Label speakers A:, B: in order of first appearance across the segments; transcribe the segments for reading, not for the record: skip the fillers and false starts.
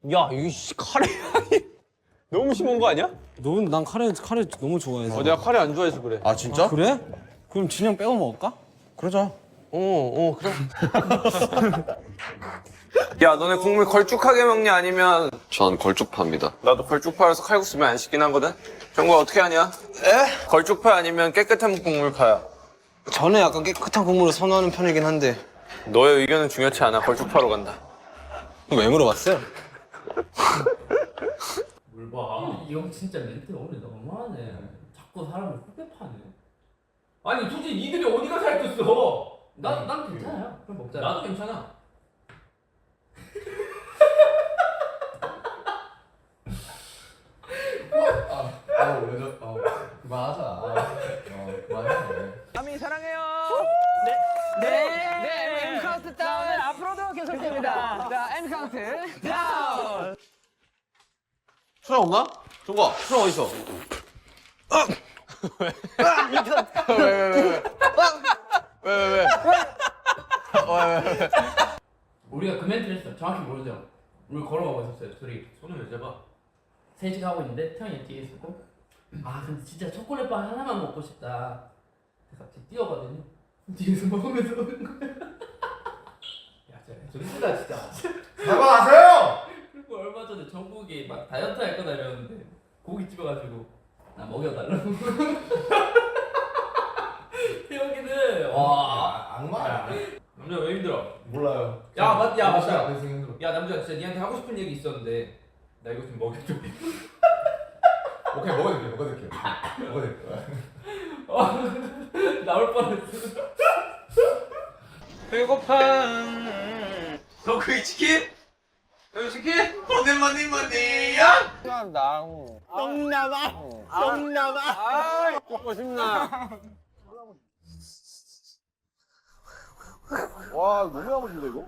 A: 야, 이거 카레 향이 너무 심한 거 아니야?
B: 난 카레 너무 좋아해서.
A: 내가 카레 안 좋아해서 그래.
C: 아 진짜?
B: 그래? 그럼 진영 빼고 먹을까?
C: 그러자.
A: 그래. 야, 너네 국물 걸쭉하게 먹냐 아니면?
D: 전 걸쭉파입니다.
A: 나도 걸쭉파라서 칼국수면 안 시긴 하거든. 정국아 어떻게 하냐? 에? 걸쭉파 아니면 깨끗한 국물파야?
B: 저는 약간 깨끗한 국물을 선호하는 편이긴 한데.
A: 너의 의견은 중요치 않아. 걸쭉파로 간다.
B: 왜 물어봤어요?
E: 뭘 봐. 이 형 진짜 멘트 오늘 너무하네. 자꾸 사람을 후배 파네. 아니 솔직히 니들이 어디가 살쪘어? 난 괜찮아요. 그럼 먹자. 나도 괜찮아.
A: 아미 사랑해요.
F: 네, M 카운트 다운 앞으로도 계속됩니다. 자, M 카운트 다운.
C: 수라 없나? 종거 수라 어디 있어?
E: 우리가 그 멘트를 했어. 정확히 모르죠. 우리 걸어가고 있었어요. 둘이
A: 손을 왜 잡아?
E: 셋이 가고 있는데 태형이 뒤에 있었고. 아 근데 진짜 초콜릿빵 하나만 먹고 싶다. 그래서 갑자기 뛰어가더니 뒤에서 먹으면서 오는 거야. 야 진짜 존나 진짜.
C: 사과하세요!
E: 그리고 얼마 전에 정국이 막 다이어트 할 거다 이러는데 고기 집어가지고 나 먹여달라고. 태형이는 와
C: 악마야.
E: 남자 왜 힘들어?
C: 몰라요.
E: 야 맞다.
C: 힘들어.
E: 야 남자 진짜 니한테 하고 싶은 얘기 있었는데 나 이거 좀 먹여줘.
C: 오케이 먹어줄게.
E: 나올 뻔했어.
A: 배고파. 너 그게 치킨? 여기 치킨? 뭐니야? 똥남아. 먹고 싶나?
C: 와 너무 야무진데 이거?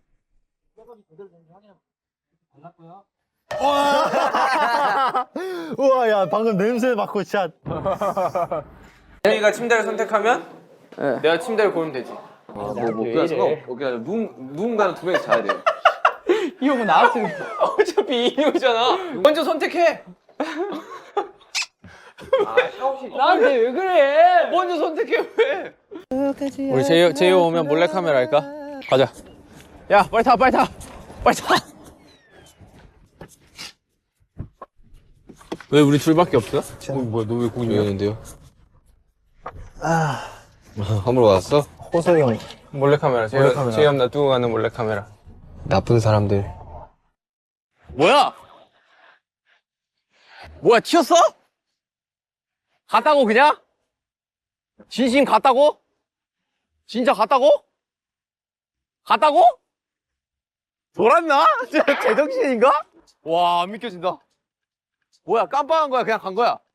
G: 우와 야 방금 냄새 맡고 진짜
A: 태형이가 침대를 선택하면 내가 침대를 고르면 되지.
D: 그냥 상관없고 누군가는 두 명이 자야 돼요.
F: 이 형은 나한테
A: 어차피 이유잖아. 먼저 선택해.
F: 나한테 왜 그래?
A: 먼저 선택해 왜? 우리 제이오 오면 몰래 카메라 할까? 가자. 야 빨리 타. 왜 우리 둘밖에 없어? 뭐야 너 왜 고기 먹는데요?
D: 함부로 왔어?
G: 호석이 형
A: 몰래 카메라. 제이오 놔두고 가는 몰래 카메라.
D: 나쁜 사람들.
A: 뭐야 튀었어? 갔다고 그냥? 진심 갔다고? 진짜 갔다고? 돌았나? 진짜 제정신인가? 와 안 믿겨진다. 뭐야 깜빡한 거야 그냥 간 거야?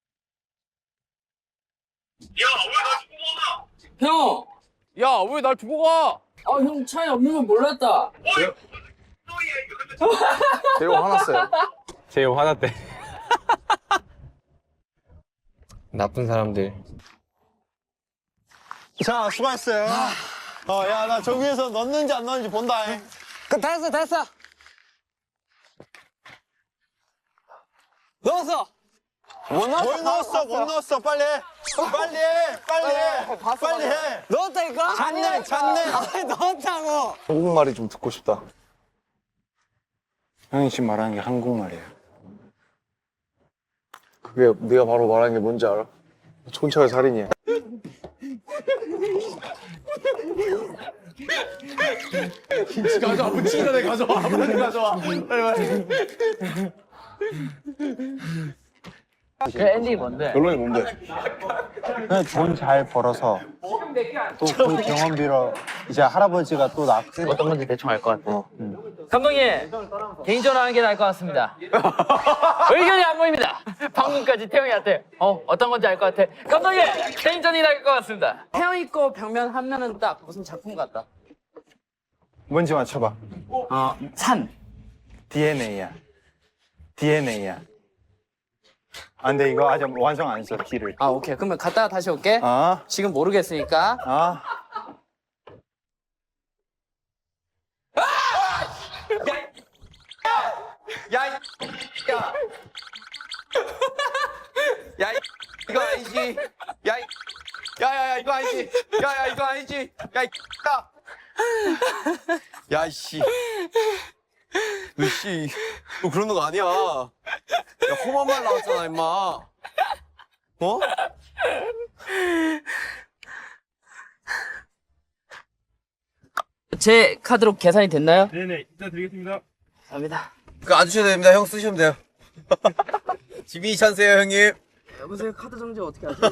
E: 형!
A: 야 왜 날 두고 가?
E: 형 차에 없는 건 몰랐다.
C: 제이호 화났어요.
A: 제이오 화났대.
D: 나쁜 사람들.
G: 자 수고했어요 야 나 저기 위에서 넣는지 안 넣는지 본다
F: 다 했어. 넣었어.
G: 못 넣었어 빨리 해
F: 넣었다니까?
G: 잤네
F: 넣었다고.
C: 한국말이 좀 듣고 싶다.
G: 형이 지금 말하는 게 한국말이에요
C: 그게 네가 바로 말하는 게 뭔지 알아? 촌철 살인이야. 김치 가져와. 묻히기 전에 가져와. 빨리.
F: 그 엔딩이 뭔데?
C: 결론이 뭔데?
G: 그냥 돈 잘 벌어서 또 그 경험비로 이제 할아버지가 또 낳고
F: 어떤 건지 대충 알 것 같아. 감독님, 개인전화 하는 게 나을 것 같습니다. 의견이 안 보입니다. 방금까지 태영이한테 어떤 건지 알 것 같아. 감독님, 개인전이 나을 것 같습니다. 태영이 거 벽면 한 면은 딱 무슨 작품 같다.
G: 뭔지 맞춰봐
F: 산.
G: DNA야 아 근데 이거 아직 완성 안 했어 D를
F: 아 오케이. 그러면 갔다가 다시 올게.
G: 아
F: 지금 모르겠으니까.
A: 아니지. 야, 이거 아니지. 야, 야, 이씨. 너씨, 너 그러는 거 아니야. 야, 험한 말 나왔잖아, 임마. 어?
F: 제 카드로 계산이 됐나요?
H: 네네, 일단 드리겠습니다.
F: 감사합니다.
B: 그거 안 주셔도 됩니다. 형 쓰시면 돼요. 지민이 찬스예요, 형님.
F: 여보세요, 카드 정지 어떻게 하죠?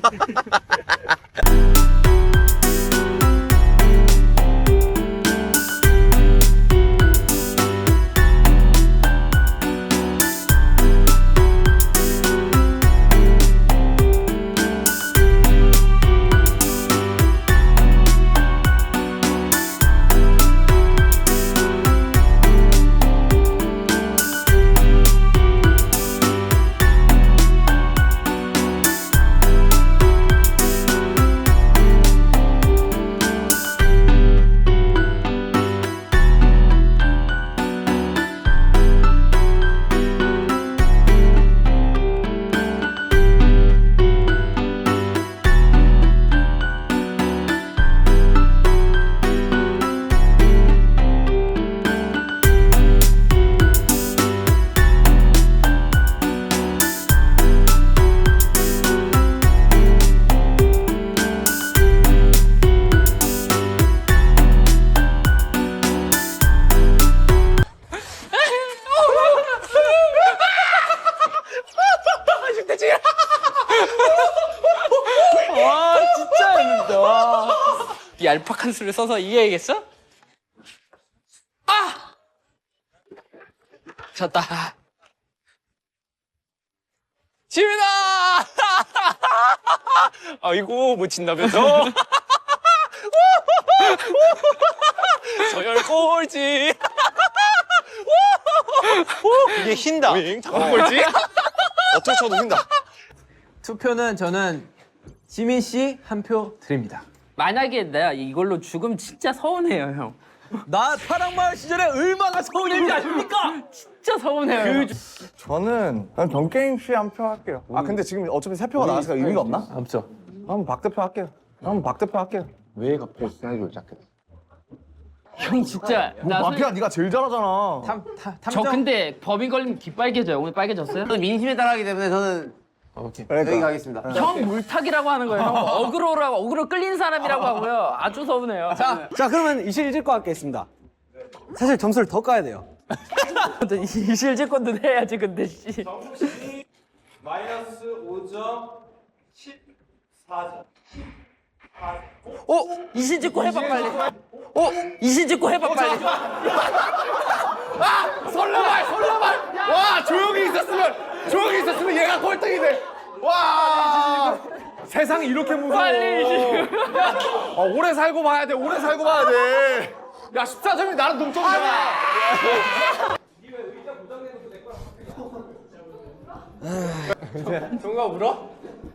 F: 이 얄팍한 수를 써서 이겨야겠어? 아! 졌다. 지민아! 아이고, 못 친다면서? 서열 꼴찌.
A: 이게 흰다.
F: 잠깐 꼴찌?
A: 어떻게 쳐도 흰다.
B: 투표는 저는 지민 씨 한 표 드립니다.
F: 만약에 내가 이걸로 죽으면 진짜 서운해요, 형.
B: 나 파랑마을 시절에 얼마나 서운했는지 아십니까?
F: 진짜 서운해요.
G: 저는 정게임 씨 한 표 할게요. 아 근데 지금 어차피 세 표가 나왔으니까 의미가 없나?
B: 없죠.
G: 한번 박 대표 할게요. 한번 박 대표 할게요.
C: 왜 갑자기 스타일을 시작했어?
F: 형 진짜 나
G: 마피아 네가 제일 잘하잖아.
F: 저 근데 법인 걸리면 귀 빨개져요. 오늘 빨개졌어요?
B: 저는 민심에 따라하기 때문에 저는 여기 가겠습니다.
F: 형 물타기라고 하는 거예요. 형 어그로라고 어그로 끌린 사람이라고 하고요. 아주 서운해요.
B: 자, 그러면 이실직고 하겠습니다. 사실 점수를 더 까야 돼요.
F: 이실직권도 해야지 근데 씨.
H: 마이너스 5점, 14점.
F: 이실직권 해봐 빨리. 이실직권 해봐 빨리.
A: 설레발! 와, 조용히 있었으면 얘가 꼴등이네. 와, 세상이 이렇게 무서워.
F: 빨리.
A: 오래 살고 봐야 돼. 야, 14점이 나랑 동점이잖아.
H: 동가 울어?